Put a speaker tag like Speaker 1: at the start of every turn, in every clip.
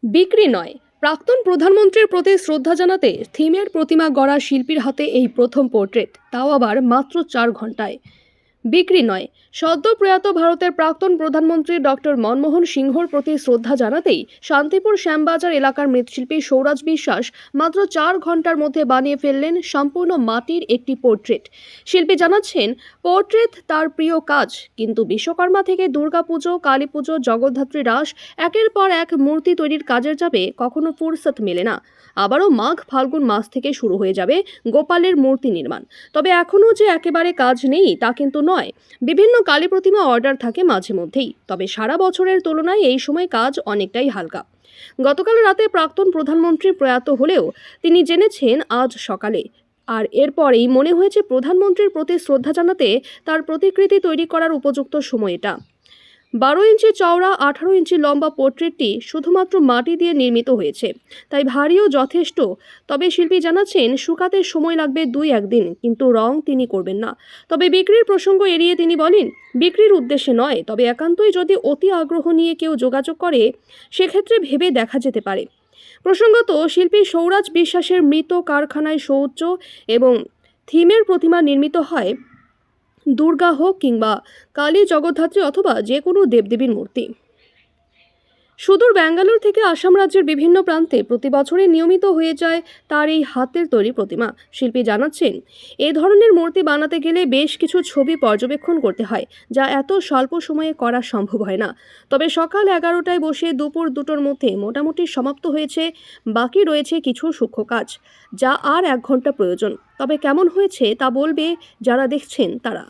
Speaker 1: বিক্রি নয়, প্রাক্তন প্রধানমন্ত্রীর প্রতি শ্রদ্ধা জানাতে থিমের প্রতিমা গড়া শিল্পীর হাতে এই প্রথম পোর্ট্রেট, তাও আবার মাত্র 4 ঘন্টায়। বিক্রি নয়, সদ্য প্রয়াত ভারতের প্রাক্তন প্রধানমন্ত্রী ডক্টর মনমোহন সিংহর প্রতি শ্রদ্ধা জানাতেই শান্তিপুর শ্যামবাজার এলাকার মৃৎশিল্পী সৌরাজ বিশ্বাস মাত্র 4 ঘন্টার মধ্যে বানিয়ে ফেললেন সম্পূর্ণ মাটির একটি পোর্ট্রেট। শিল্পী জানাচ্ছেন, পোর্ট্রেট তার প্রিয় কাজ, কিন্তু বিশ্বকর্মা থেকে দুর্গাপুজো, কালী পুজো, জগদ্ধাত্রী রাস, একের পর এক মূর্তি তৈরির কাজের যাবে কখনো ফুরসত মেলে না। আবারও মাঘ ফাল্গুন মাস থেকে শুরু হয়ে যাবে গোপালের মূর্তি নির্মাণ। তবে এখনও যে একেবারে কাজ নেই তা কিন্তু নয়। বিভিন্ন কালী প্রতিমা অর্ডার থাকে মাঝে মধ্যেই, তবে সারা বছরের তুলনায় এই সময় কাজ অনেকটাই হালকা। গতকাল রাতে প্রাক্তন প্রধানমন্ত্রী প্রয়াত হলেও তিনি জেনেছেন আজ সকালে, আর এরপরেই মনে হয়েছে প্রধানমন্ত্রীর প্রতি শ্রদ্ধা জানাতে তার প্রতিকৃতি তৈরি করার উপযুক্ত সময় এটা। 12 ইঞ্চি চওড়া 18 ইঞ্চি লম্বা পোর্ট্রেটটি শুধুমাত্র মাটি দিয়ে নির্মিত হয়েছে, তাই ভারীও যথেষ্ট। তবে শিল্পী জানাচ্ছেন, শুকাতে সময় লাগবে 2-1 দিন, কিন্তু রং তিনি করবেন না। তবে বিক্রির প্রসঙ্গ এড়িয়ে তিনি বলেন, বিক্রির উদ্দেশ্যে নয়, তবে একান্তই যদি অতি আগ্রহ নিয়ে কেউ যোগাযোগ করে সেক্ষেত্রে ভেবে দেখা যেতে পারে। প্রসঙ্গত, শিল্পী সৌরাজ বিশ্বাসের মৃত কারখানায় শৌচ এবং থিমের প্রতিমা নির্মিত হয় দুর্গা হোক কিংবা কালী, জগদ্ধাত্রী অথবা যে কোনো দেবদেবীর মূর্তি। সুদূর ব্যাঙ্গালোর থেকে আসাম রাজ্যের বিভিন্ন প্রান্তে প্রতি বছরই নিয়মিত হয়ে যায় তার এই হাতের তৈরি প্রতিমা। শিল্পী জানাচ্ছেন, এ ধরনের মূর্তি বানাতে গেলে বেশ কিছু ছবি পর্যবেক্ষণ করতে হয়, যা এত স্বল্প সময়ে করা সম্ভব হয় না। তবে সকাল 11টায় বসে দুপুর 2টোর মধ্যে মোটামুটি সমাপ্ত হয়েছে। বাকি রয়েছে কিছু সূক্ষ্ম কাজ, যা আর 1 ঘন্টা প্রয়োজন। তবে কেমন হয়েছে তা বলবে যারা দেখছেন তারা।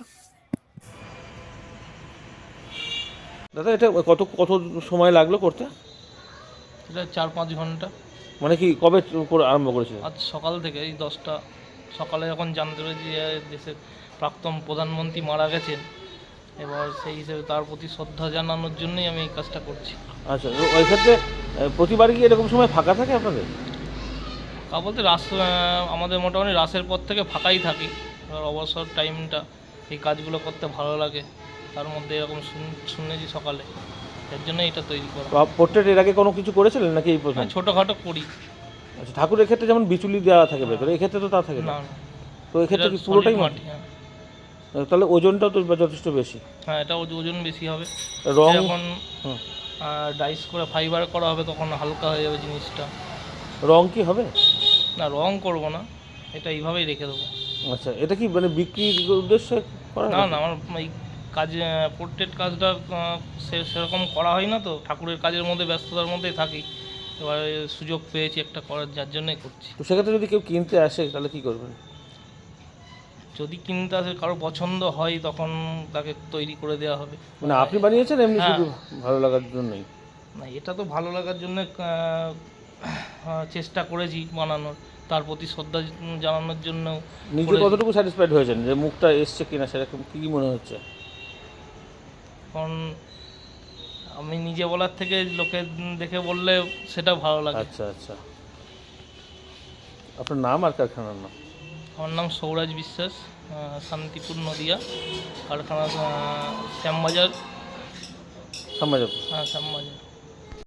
Speaker 2: দাদা, এটা কত কত সময় লাগলো করতে?
Speaker 3: এটা 4-5 ঘন্টা।
Speaker 2: মানে কি কবে আরম্ভ করেছিল?
Speaker 3: আজ সকাল থেকে, এই 10টা সকালে যখন জানতে পেরেছি যে দেশের প্রাক্তন প্রধানমন্ত্রী মারা গেছেন, এবার সেই হিসেবে তার প্রতি শ্রদ্ধা জানানোর জন্যই আমি এই কাজটা করছি।
Speaker 2: আচ্ছা, ওই ক্ষেত্রে প্রতিবারই কি এরকম সময় ফাঁকা থাকে আপনাদের?
Speaker 3: তা বলতে আমাদের মোটামুটি রাসের পর থেকে ফাঁকাই থাকি। এবার অবসর টাইমটা এই কাজগুলো করতে ভালো লাগে, তার মধ্যে এরকম শুনেছি সকালে, এর জন্য এটা তৈরি করা।
Speaker 2: পোর্ট্রেট এর আগে কোনো কিছু করেছিলেন নাকি এই প্রথম?
Speaker 3: ছোটোখাটো করি।
Speaker 2: আচ্ছা, ঠাকুরের ক্ষেত্রে যেমন বিচুলি দেওয়া থাকে ভেতরে, এই ক্ষেত্রে তো তা থাকে না?
Speaker 3: না,
Speaker 2: তো এই ক্ষেত্রে কি পুরোটাই মাটি?
Speaker 3: হ্যাঁ।
Speaker 2: তাহলে ওজনটাও তো যথেষ্ট বেশি।
Speaker 3: হ্যাঁ, এটা ওজন বেশি হবে।
Speaker 2: রং
Speaker 3: যখন ডাইস করে ফাইবার করা হবে তখন হালকা হয়ে যাবে জিনিসটা।
Speaker 2: রং কি হবে?
Speaker 3: না, রং করব না, এটা এইভাবেই রেখে দেবো।
Speaker 2: আচ্ছা, এটা কি মানে বিক্রির উদ্দেশ্যে করা?
Speaker 3: না না, আমার এই কাজে পোর্ট্রেট কাজটা সেরকম করা হয় না, তো ঠাকুরের কাজের মধ্যে ব্যস্ততার মধ্যেই থাকি। এবার সুযোগ পেয়েছি একটা করার, যার জন্যই করছি।
Speaker 2: তো সেক্ষেত্রে যদি কেউ কিনতে আসে তাহলে কি করবেন?
Speaker 3: যদি কিনতে আসে, কারো পছন্দ হয়, তখন তাকে তৈরি করে দেওয়া হবে।
Speaker 2: মানে আপনি বানিয়েছেন এমনি
Speaker 3: হ্যাঁ।
Speaker 2: শুধু ভালো লাগার জন্যই?
Speaker 3: না, এটা তো ভালো লাগার জন্য চেষ্টা করেছি বানানোর, তার প্রতি শ্রদ্ধা জানানোর জন্য।
Speaker 2: নিজে কতটুকু স্যাটিসফাইড হয়েছেন যে মুখটা এসছে কিনা, সেরকম কি মনে হচ্ছে?
Speaker 3: কারণ আমি নিজে বলার থেকে লোকে দেখে বললে সেটা ভালো লাগে।
Speaker 2: আচ্ছা আচ্ছা, আপনার নাম আর কারখানার নাম?
Speaker 3: আমার নাম সৌরাজ বিশ্বাস, শান্তিপুর নদিয়া, কারখানা শ্যামবাজার।
Speaker 2: শ্যামবাজার।
Speaker 3: হ্যাঁ, শ্যামবাজার।